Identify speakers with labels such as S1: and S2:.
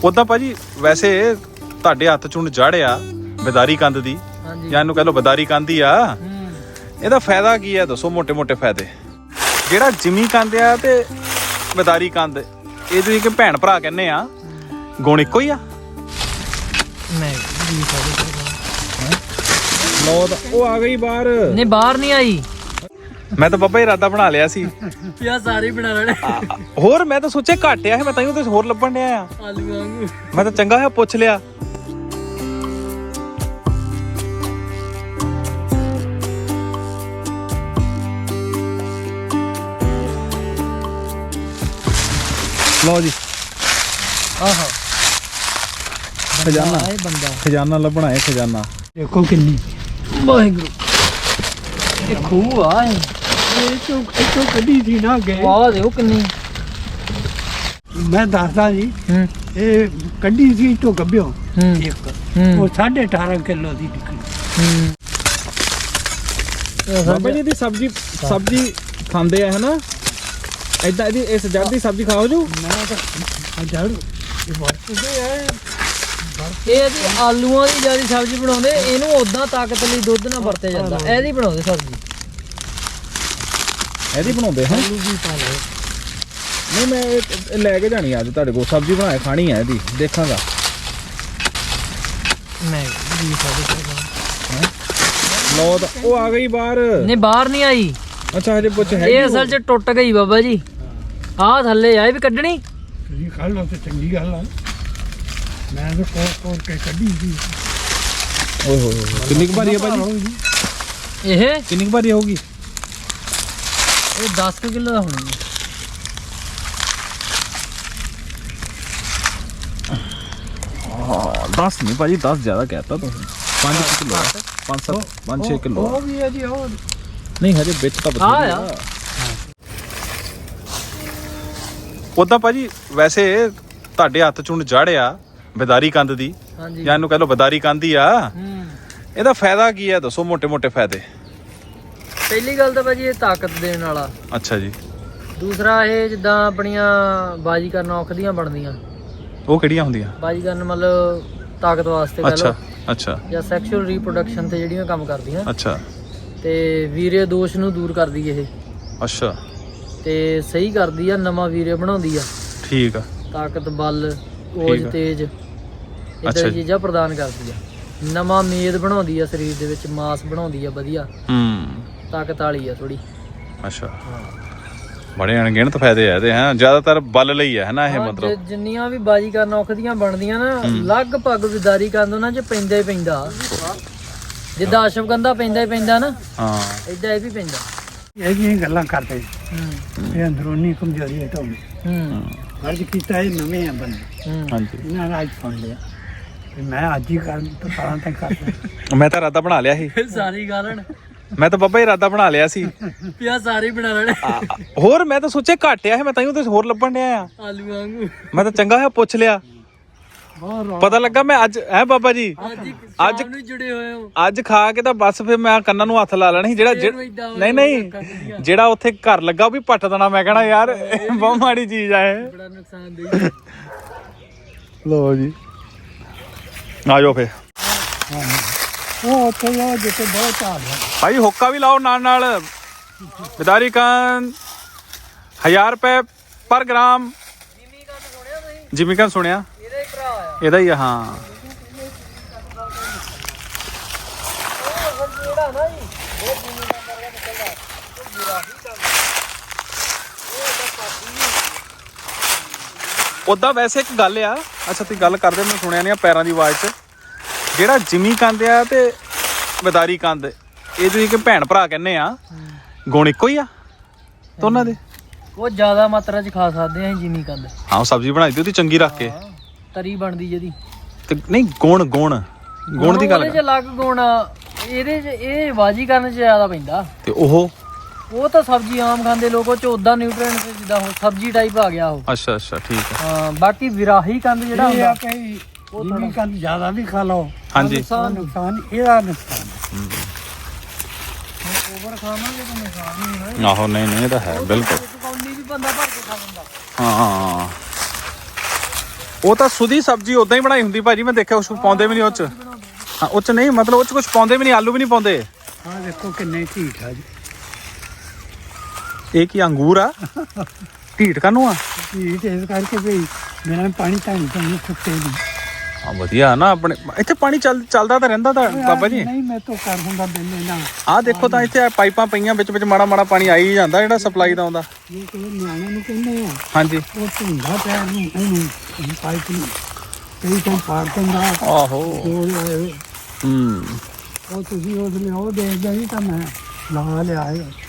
S1: ਉਦਾਂ ਭਾਜੀ ਵੈਸੇ ਤੁਹਾਡੇ ਹੱਥ ਚੁਣ ਜੜਿਆ ਬਦਾਰੀ ਕੰਦ ਦੀ ਜਾਂ ਇਹਨੂੰ ਕਹ ਲਓ ਬਦਾਰੀ ਕੰਦ ਹੀ ਆ। ਇਹਦਾ ਫਾਇਦਾ ਕੀ ਹੈ ਦੱਸੋ? ਮੋਟੇ ਮੋਟੇ ਫਾਇਦੇ। ਜਿਹੜਾ ਜਿਮੀ ਕੰਦ ਆ ਤੇ ਬਦਾਰੀ ਕੰਦ ਇਹ ਤੁਸੀਂ ਕਿ ਭੈਣ ਭਰਾ ਕਹਿੰਦੇ ਆ, ਗੁਣ ਇੱਕੋ ਹੀ ਆ? ਲੋ ਉਹ ਆ ਗਈ ਬਾਹਰ।
S2: ਨਹੀਂ ਬਾਹਰ ਨਹੀਂ ਆਈ।
S1: ਮੈਂ ਤਾਂ ਬਾਬਾ ਇਰਾਦਾ ਬਣਾ ਲਿਆ ਸੀ
S2: ਪਿਆ ਸਾਰੇ ਬਣਾ ਲੈਣੇ।
S1: ਹੋਰ ਮੈਂ ਤਾਂ ਸੋਚਿਆ ਘੱਟ ਆ, ਮੈਂ ਤਾਂ ਹੀ ਹੋਰ ਲੱਭਣ ਡਿਆ ਆ।
S2: ਆਲੂ ਵਾਂਗੂ
S1: ਮੈਂ ਤਾਂ ਚੰਗਾ ਹੋਇਆ ਪੁੱਛ ਲਿਆ। ਲਓ ਜੀ
S2: ਆਹੋ
S1: ਖਜ਼ਾਨਾ,
S2: ਇਹ ਬੰਦਾ
S1: ਖਜ਼ਾਨਾ ਲੱਭਣਾ ਹੈ। ਖਜ਼ਾਨਾ
S2: ਦੇਖੋ ਕਿੰਨੀ ਵਾਹਿਗੁਰੂ। ਇਹ ਖੂਹ ਆ
S3: ਇਹ ਚੋਂ ਕੱਢੀ ਸੀ ਨਾ ਗਏ।
S2: ਵਾਹ ਦੇਖੋ ਕਿੰਨੀ।
S3: ਮੈਂ ਦੱਸਦਾ ਜੀ,
S2: ਹੂੰ
S3: ਇਹ ਕੱਢੀ ਸੀ ਤੋਂ ਗੱਭਿਓ ਇੱਕ,
S2: ਹੂੰ
S3: ਉਹ 18.5 ਕਿਲੋ ਦੀ ਨਿਕਲੀ।
S1: ਬਾਬਾ ਜੀ ਦੀ ਸਬਜ਼ੀ ਖਾਂਦੇ ਆ ਹਨਾ? ਏਦਾਂ ਇਹਦੀ ਇਸ ਜੜ ਦੀ ਸਬਜ਼ੀ ਖਾਓ ਜੋ।
S3: ਮੈਂ ਤਾਂ ਜੜ ਇਹ ਵਰਤਦੇ ਆ।
S2: ਇਹ ਜੀ ਆਲੂਆਂ ਦੀ ਜਿਆਦਾ ਸਬਜ਼ੀ ਬਣਾਉਂਦੇ, ਇਹਨੂੰ ਉਦਾਂ ਤਾਕਤ ਲਈ ਦੁੱਧ ਨਾਲ ਵਰਤਿਆ ਜਾਂਦਾ। ਇਹਦੀ ਬਣਾਉਂਦੇ ਸਬਜ਼ੀ,
S1: ਇਹਦੀ ਬਣਾਉਂਦੇ ਹਾਂ।
S3: ਆਲੂ ਵੀ ਪਾ ਲਓ।
S1: ਨਹੀਂ ਮੈਂ ਇਹ ਲੈ ਕੇ ਜਾਣੀ ਅੱਜ ਤੁਹਾਡੇ ਕੋਲ, ਸਬਜ਼ੀ ਬਣਾ ਕੇ ਖਾਣੀ ਹੈ ਇਹਦੀ, ਦੇਖਾਂਗਾ।
S2: ਨਹੀਂ
S1: ਲੋ ਤਾਂ ਉਹ ਆ ਗਈ ਬਾਹਰ।
S2: ਨਹੀਂ ਬਾਹਰ ਨਹੀਂ ਆਈ।
S1: ਅੱਛਾ ਹਜੇ ਪੁੱਛ ਹੈ
S2: ਇਹ ਅਸਲ 'ਚ ਟੁੱਟ ਗਈ ਬਾਬਾ ਜੀ। ਆਹ ਥੱਲੇ ਆ, ਇਹ ਵੀ ਕੱਢਣੀ।
S3: ਤੁਸੀਂ ਖਾ ਲਓ ਤੇ ਚੰਗੀ ਗੱਲ ਆ। ਮੈਂ ਤਾਂ ਕੋਰ ਕੇ ਕੱਢੀ ਸੀ।
S1: ਓਏ ਹੋਏ ਹੋਏ, ਕਿੰਨੀ ਕੁ ਭਾਰੀ ਹੈ ਭਾਜੀ?
S2: ਇਹ
S1: ਕਿੰਨੀ ਕੁ ਭਾਰੀ ਹੋਊਗੀ?
S2: ਇਹ 10 ਕਿਲੋ ਦਾ ਹੋਣੀ।
S1: 10 ਨਹੀਂ ਭਾਜੀ, 10 ਜ਼ਿਆਦਾ ਕਹਿਤਾ ਤੁਸੀਂ। 5 ਕਿਲੋ 5-6 ਕਿਲੋ
S3: ਉਹ ਵੀ ਹੈ ਜੀ। ਉਹ
S1: ਨਹੀਂ ਹਜੇ ਵਿੱਚ ਤਾਂ
S2: ਆ ਆ।
S1: ਉਦਾਂ ਭਾਜੀ ਵੈਸੇ ਤੁਹਾਡੇ ਹੱਥ ਚੁਣ ਜੜਿਆ ਬਦਾਰੀ ਕੰਦ ਦੀ
S2: ਹਾਂਜੀ
S1: ਜਾਂ ਇਹਨੂੰ ਕਹ ਲਓ ਬਦਾਰੀ ਕੰਦ ਹੀ ਆ। ਇਹਦਾ ਫਾਇਦਾ ਕੀ ਹੈ ਦੱਸੋ? ਮੋਟੇ ਮੋਟੇ ਫਾਇਦੇ।
S2: ਪਹਿਲੀ ਗੱਲ ਤਾਂ ਭਾਜੀ ਇਹ ਤਾਕਤ ਦੇਣ ਵਾਲਾ।
S1: ਅੱਛਾ ਜੀ।
S2: ਦੂਸਰਾ ਇਹ ਜਿੱਦਾਂ ਆਪਣੀਆਂ ਬਾਜੀ ਕਰਨ ਔਖਦੀਆਂ ਬਣਦੀਆਂ।
S1: ਉਹ ਕਿਹੜੀਆਂ ਹੁੰਦੀਆਂ?
S2: ਬਾਜੀ ਕਰਨ ਮਤਲਬ ਤਾਕਤ ਵਾਸਤੇ ਕਹ
S1: ਅੱਛਾ
S2: ਲਓ,
S1: ਅੱਛਾ
S2: ਜਾਂ ਸੈਕਸ਼ੂਅਲ ਰੀਪਰੋਡਕਸ਼ਨ ਤੇ ਜਿਹੜੀਆਂ ਕੰਮ ਕਰਦੀਆਂ।
S1: ਅੱਛਾ
S2: ਤੇ ਵੀਰੇ ਦੋਸ਼ ਨੂੰ ਦੂਰ ਕਰਦੀ ਇਹ,
S1: ਅੱਛਾ
S2: ਤੇ ਸਹੀ ਕਰਦੀ ਆ, ਨਵਾਂ ਵੀਰੇ ਬਣਾਉਂਦੀ ਆ।
S1: ਠੀਕ ਆ।
S2: ਤਾਕਤ, ਬਲ, ਓਜ,
S1: ਠੀਕ ਆ।
S2: ਤੇਜ
S1: ਅੱਛਾ
S2: ਇਦਾਂ
S1: ਜੀ।
S2: ਚੀਜ਼ਾਂ ਪ੍ਰਦਾਨ ਕਰਦੀ ਆ। ਨਵਾਂ ਮੇਦ ਬਣਾਉਂਦੀ ਆ, ਸਰੀਰ ਦੇ ਵਿੱਚ ਮਾਸ ਬਣਾਉਂਦੀ ਆ ਵਧੀਆ, ਤਾਕਤ ਵਾਲੀ ਆ ਥੋੜੀ।
S1: ਅੱਛਾ ਬੜੇ ਅਣਗਿਣਤ ਫਾਇਦੇ ਆ ਇਹਦੇ। ਹੈ ਜ਼ਿਆਦਾਤਰ ਬਲ ਲਈ ਹੈ ਹਨਾ ਇਹ? ਮਤਲਬ
S2: ਜਿੰਨੀਆਂ ਵੀ ਬਾਜੀ ਕਰਨ ਔਖਦੀਆਂ ਬਣਦੀਆਂ ਨਾ, ਲਗਭਗ ਵਿਦਾਰੀ ਕੰਦ ਉਹਨਾਂ 'ਚ ਪੈਂਦਾ ਹੀ ਪੈਂਦਾ। ਜਿੱਦਾਂ ਅਸ਼ਵਗੰਧਾ ਪੈਂਦਾ ਹੀ ਪੈਂਦਾ ਨਾ,
S1: ਹਾਂ
S2: ਏਦਾਂ ਇਹ ਵੀ ਪੈਂਦਾ।
S3: ਇਹ ਜਿਹੀਆਂ ਗੱਲਾਂ ਕਰਦੇ ਇਹ ਅੰਦਰੂਨੀ ਕਮਜ਼ੋਰੀ ਹੈ ਤੁਹਾਨੂੰ। ਫਰਜ਼ ਕੀਤਾ ਇਹ ਨਵੇਂ ਆ ਬੰਦੇ,
S1: ਹਾਂਜੀ।
S3: ਇਹਨਾਂ ਨੇ ਅੱਜ ਸੁਣ ਲਿਆ ਵੀ ਮੈਂ ਅੱਜ ਹੀ ਕਰਨ ਤੋਂ ਤਾਂ ਤੱਕ ਕਰਦਾ।
S1: ਮੈਂ ਤਾਂ ਇਰਾਦਾ ਬਣਾ ਲਿਆ ਸੀ।
S2: ਸਾਰੀ ਗਾਲਣ
S1: ਮੈਂ ਤਾਂ ਬਾਬਾ ਇਰਾਦਾ ਬਣਾ ਲਿਆ ਸੀ।
S2: ਪਿਆ ਸਾਰੇ ਬਣਾ ਲੈਣੇ।
S1: ਹੋਰ ਮੈਂ ਤਾਂ ਸੋਚਿਆ ਘੱਟ ਆ, ਮੈਂ ਤਾਂ ਹੀ ਹੋਰ ਲੱਭਣ ਡਿਆ ਆ।
S2: ਆਲੂ ਵਾਂਗੂ
S1: ਮੈਂ ਤਾਂ ਚੰਗਾ ਹੋਇਆ ਪੁੱਛ ਲਿਆ। ਪਤਾ ਲੱਗਾ ਮੈਂ ਅੱਜ ਹੈ ਬਾਬਾ ਜੀ।
S2: ਅੱਜ ਨੂੰ ਜੁੜੇ ਹੋਏ ਹੋ।
S1: ਅੱਜ ਖਾ ਕੇ ਤਾਂ ਬਸ ਫਿਰ ਮੈਂ ਕੰਨਾਂ ਨੂੰ ਹੱਥ ਲਾ ਲੈਣਾ ਸੀ। ਨਹੀਂ ਜਿਹੜਾ ਉੱਥੇ ਘਰ ਲੱਗਾ ਉਹ ਵੀ ਪੱਟ ਦੇਣਾ। ਮੈਂ ਕਹਣਾ ਯਾਰ ਬਹੁਤ ਮਾੜੀ ਚੀਜ਼ ਆ ਇਹ।
S2: ਬੜਾ ਨੁਕਸਾਨਦੇਹ।
S1: ਲੋ ਜੀ ਆ ਜਾਓ ਫੇ।
S3: ਉਹ ਉੱਥੇ ਜਾ ਜਿੱਥੇ ਬਹੁਤ ਝਾੜ ਹੈ।
S1: ਭਾਈ ਹੁੱਕਾ ਵੀ ਲਾਓ ਨਾਲ ਨਾਲ। ਬਦਾਰੀ ਕੰਦ 1000 ਰੁਪਏ ਪਰ ਗ੍ਰਾਮ। ਜਿਮੀ ਕੰਦ ਸੁਣਿਆ?
S2: ਇਹਦਾ ਹੀ ਭਰਾ ਆ।
S1: ਇਹਦਾ ਹੀ ਆ। ਹਾਂ ਉਦਾਂ ਵੈਸੇ ਇੱਕ ਗੱਲ ਆ। ਅੱਛਾ ਤੁਸੀਂ ਗੱਲ ਕਰਦੇ, ਮੈਂ ਸੁਣਿਆ ਨਹੀਂ ਪੈਰਾਂ ਦੀ ਆਵਾਜ਼ 'ਚ। ਜਿਹੜਾ ਜਿਮੀ ਕੰਦ ਆ ਤੇ ਬਦਾਰੀ ਕੰਦ ਇਹ ਤੁਸੀਂ ਕਿ ਭੈਣ ਭਰਾ ਕਹਿੰਦੇ ਆ, ਗੁਣ ਇੱਕੋ ਹੀ ਆ ਦੋਨਾਂ ਦੇ?
S2: ਉਹ ਜ਼ਿਆਦਾ ਮਾਤਰਾ 'ਚ ਖਾ ਸਕਦੇ ਆ ਜਿਮੀ ਕੰਦ।
S1: ਹਾਂ ਉਹ ਸਬਜ਼ੀ ਬਣਾਈ ਦੀ ਉਹਦੀ ਚੰਗੀ ਰੱਖ ਕੇ,
S2: ਤਰੀ ਬਣਦੀ ਜਿਹਦੀ।
S1: ਤੇ ਨਹੀਂ ਗੁਣ ਦੀ ਗੱਲ
S2: ਇਹਦੇ 'ਚ ਅਲੱਗ ਗੁਣ ਆ। ਇਹਦੇ 'ਚ ਇਹ ਬਾਜੀ ਕਰਨ 'ਚ ਜ਼ਿਆਦਾ ਪੈਂਦਾ।
S1: ਤੇ ਉਹ
S2: ਤਾਂ ਸਬਜ਼ੀ ਆਮ ਖਾਂਦੇ ਲੋਕ, ਉਹ 'ਚ ਉਦਾਂ ਨਿਊਟ੍ਰੀਐਂਟ ਜਿੱਦਾਂ ਹੁਣ ਸਬਜ਼ੀ ਟਾਈਪ ਆ ਗਿਆ ਉਹ।
S1: ਅੱਛਾ ਠੀਕ ਹੈ।
S2: ਹਾਂ ਬਾਕੀ ਵਿਰਾਹੀ ਕੰਦ ਜਿਹੜਾ
S3: ਇਹ ਆ
S2: ਹੁੰਦਾ
S3: ਕਿ ਜਿੰਨੀ ਕੰਦ ਜ਼ਿਆਦਾ ਵੀ ਖਾ ਲਓ
S1: ਹਾਂਜੀ
S3: ਨੁਕਸਾਨ ਇਹਦਾ ਨੁਕਸਾਨ।
S2: ਓਵਰ ਖਾਵਾਂਗੇ ਤਾਂ ਨੁਕਸਾਨ ਹੀ ਹੋਣਾ।
S1: ਆਹੋ ਨਹੀਂ ਇਹ ਤਾਂ ਹੈ ਬਿਲਕੁਲ।
S2: ਕੌਲੀ ਵੀ ਬੰਦਾ ਭਰ ਕੇ ਖਾ ਲੈਂਦਾ।
S1: ਹਾਂ ਉਹ ਤਾਂ ਸੁਦੀ ਸਬਜ਼ੀ ਉਦਾਂ ਹੀ ਬਣਾਈ ਹੁੰਦੀ ਭਾਜੀ, ਮੈਂ ਦੇਖਿਆ ਉਸ ਪਾਉਂਦੇ ਵੀ ਨਹੀਂ ਉਹ ਚ। ਹਾਂ ਉਹ ਚ ਨਹੀਂ, ਮਤਲਬ ਉਹ ਚ ਕੁਝ ਪਾਉਂਦੇ ਵੀ ਨਹੀਂ, ਆਲੂ ਵੀ ਨਹੀਂ ਪਾਉਂਦੇ।
S3: ਆਹ ਦੇਖੋ ਕਿੰਨੇ ਢੀਠ ਆ ਜੀ।
S1: ਇਹ ਕੀ ਅੰਗੂਰ ਆ? ਢੀਠ ਕਾਹਨੂੰ ਆ?
S3: ਢੀਠ ਇਸ ਕਰਕੇ ਵੀ ਮੇਰਾ ਪਾਣੀ ਤਾਂ ਨਹੀਂ ਸੁੱਕੇ ਨਹੀਂ।
S1: ਹਾਂ ਵਧੀਆ ਨਾ, ਆਪਣੇ ਇੱਥੇ ਪਾਣੀ ਚੱਲਦਾ ਤਾਂ ਰਹਿੰਦਾ ਤਾਂ ਬਾਬਾ ਜੀ।
S3: ਨਹੀਂ ਮੈਂ ਤਾਂ ਕਰ ਹੁੰਦਾ ਬਿੱਲੇ ਨਾ।
S1: ਆਹ ਦੇਖੋ ਤਾਂ ਇੱਥੇ ਪਾਈਪਾਂ ਪਈਆਂ, ਵਿੱਚ ਮਾੜਾ ਮਾੜਾ ਪਾਣੀ ਆਈ ਜਾਂਦਾ, ਜਿਹੜਾ ਸਪਲਾਈ ਦਾ ਆਉਂਦਾ।
S3: ਇਹ ਕੋਈ ਨਿਆਣੇ ਨੂੰ ਕਹਿੰਦੇ ਆ।
S1: ਹਾਂਜੀ
S3: ਉਹ ਧੁੰਦਾ ਪਿਆ ਇਹਨੂੰ ਪਾਈਪ ਨੂੰ ਕਈ ਤਾਂ ਪਾੜ ਦਿੰਦਾ।
S1: ਆਹੋ
S3: ਉਹ ਤੁਸੀਂ ਉਹ ਦੇਖਦੇ ਨਹੀਂ ਤਾਂ ਮੈਂ ਲਾ ਲਿਆ।